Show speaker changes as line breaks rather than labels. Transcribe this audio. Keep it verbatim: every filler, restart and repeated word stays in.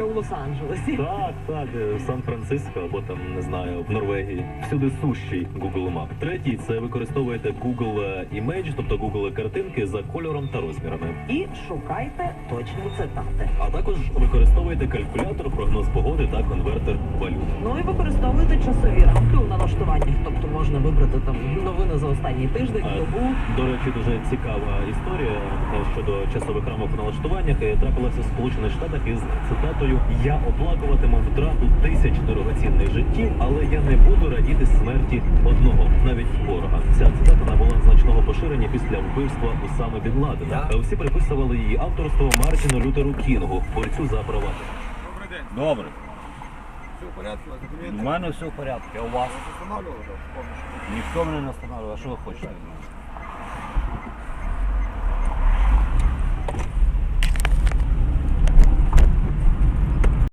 у Лос-Анджелесі.
Так, так, в Сан-Франциско або там, не знаю, в Норвегії. Всюди сущий Google Map. Третій – це використовуєте Google Image, тобто Google картинки за кольором та розмірами.
І шукайте точні цитати.
А також використовуєте калькулятор, прогноз погоди та конвертер валют.
Ну і використовуйте часові рамки у налаштуваннях. Тобто можна вибрати там новини за останній тиждень,
А,
добу.
До речі, дуже цікава історія е, щодо часових рамок у налаштуваннях. Е, Трапилася в Сполучених Штатах із цитатою «Я оплакуватиму втрату тисяч дорогоцінних життів, але я не буду радіти смерті одного, навіть ворога». Ця цитата набула значного поширення після вбивства Усами Бін Ладена. Е, Всі приписували її авторство Мартіну Лютеру Кінгу, борцю за права.
Добрий день.
Добре.
Все в порядку, у вас
У
документи?
мене все в порядку. А у вас?
Встановлювали, так? Повністю.
Ніхто мене не встановлює. А що ви хочете?